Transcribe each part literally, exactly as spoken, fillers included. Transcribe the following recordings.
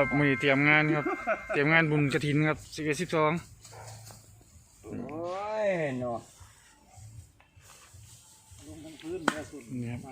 ครับมือเตรียมงานครับเตรียมงานบุญกฐินครับสิบเอ็ดสิบสองโอ้ยเนาะลงทั้งพื้นเลยสุดนี่ครับ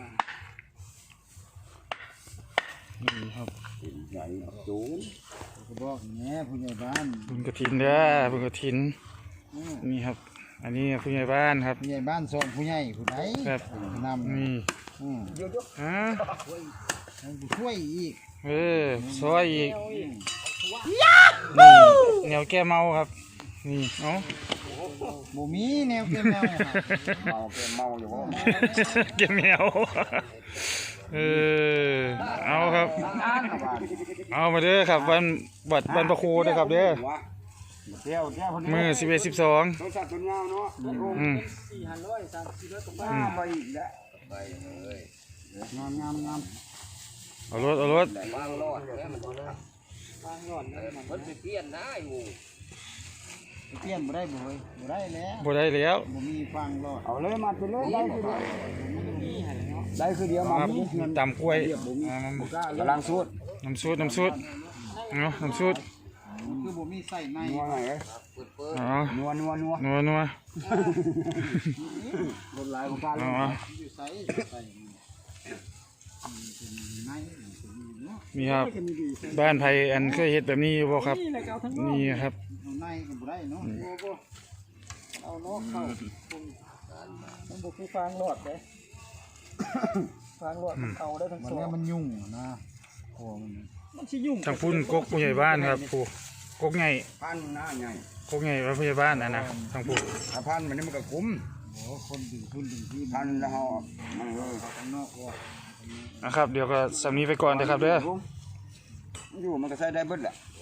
นี่ครับใหญ่สูงก็บอกแง่ผู้ใหญ่บ้านบุญกฐินเด้อบุญกฐินนี่ครับอันนี้ผู้ใหญ่บ้านครับผู้ใหญ่บ้านส่งผู้ใหญ่ผู้ใดครับนำนี่ฮะช่วยอีกเออซอยอีกนี่แนวแก้เมาครับนี่เนาะบ่มีแนวแก้เมาเมาแก้เมาอยู่ว่าแก้แมวเออเอาครับเอามาเด้อครับวันบัดวันประโคด้วยครับเด้อมือสิบเอ็ดสิบสองอืมไปอีกแล้วไปเลยงามงามงามเอารถเอารถวางรอดแล้วมันวางรอดแล้วมันจะเปลี่ยนได้งูเปลี่ยนบ่ได้บ่เฮ้ยบ่ได้แล้วบ่ได้แล้วบ่มีฟังรอดเอาเลยมาไปเลยได้คือเดียวได้คือเดียวมาตำกล้วยกำลังสูตรน้ำซุปน้ำซุปเนาะน้ำซุปคือบ่มีใส่ในนัวไงเอ้ยอ๋อนัวนัวนัวนัวนัวรถหลายบ่กล้าเลยอยู่ใส่ใส่มีครับบ้านไผ่อันเคยเห็ดแบบนี้บ่ครับนี่ครับในก็บ่ได้เนาะเอาเนาะเข้ามันบ่คือฟางรอดเด้ฟางรอดมันเอาได้ทั้งสองมันยุ่งนะโอ้มันมันสิยุ่งทางพุ่นกกผู้ใหญ่บ้านครับผู้กกใหญ่พันหน้าใหญ่กกใหญ่ว่าผู้ใหญ่บ้านนะนะทางผู้ถ้าพันมันนี่มันก็คุ้มโอ้คนดึงทุนดึงที่พันแล้วเฮามันเออข้างนอกก็นะครับเดี๋ยวก็สำนีไปก่อนนะครับเด้ออยู่มันก็ใช้ได้เบิดแหละ